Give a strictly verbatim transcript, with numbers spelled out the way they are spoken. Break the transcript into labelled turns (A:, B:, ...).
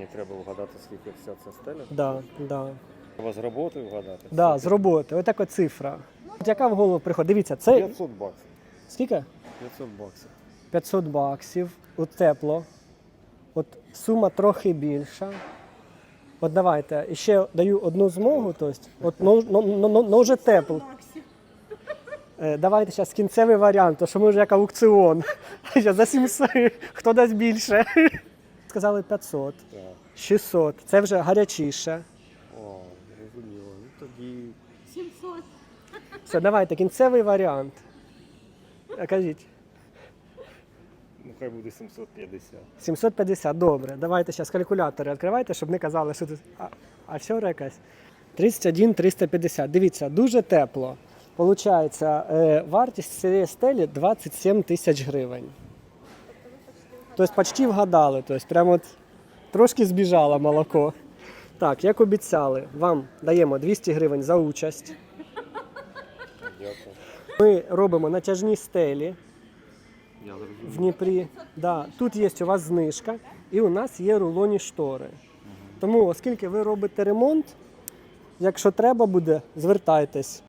A: Мені треба вгадати, скільки вся ця стеля.
B: Да, да.
A: Треба з роботи вгадати.
B: Да, з роботи. Ось така цифра. От яка в голову приходить? Дивіться, це
A: п'ятсот баксів.
B: скільки?
A: п'ятсот баксів.
B: п'ятсот баксів. От тепло. От сума трохи більша. От давайте, ще даю одну змогу, тобто, от, ну, ну, ну, ну, ну вже тепло. Е, Давайте зараз кінцевий варіант, тому що ми вже як аукціон. Щас за сімсот, хто дасть більше. Сказали п'ятсот,
A: Так.
B: шістсот, це вже гарячіше.
A: О, зрозуміло. Ну тоді
C: сімсот.
B: Все, давайте, кінцевий варіант. Е, Кажіть.
A: ну хай буде сімсот п'ятдесят.
B: сімсот п'ятдесят, добре. Давайте зараз калькулятори відкривайте, щоб не казали, що тут а, а вчора якась. тридцять один триста п'ятдесят. Дивіться, дуже тепло. Получається, е, вартість цієї стелі двадцять сім тисяч гривень. Тобто почти вгадали, тобто прямо от трошки збіжало молоко. Так, як обіцяли, вам даємо двісті гривень за участь.
A: Дякую.
B: Ми робимо натяжні стелі
A: Я
B: в
A: зрозумів.
B: Дніпрі. Да, тут є у вас знижка і у нас є рулонні штори. Тому, оскільки ви робите ремонт, якщо треба буде, звертайтесь.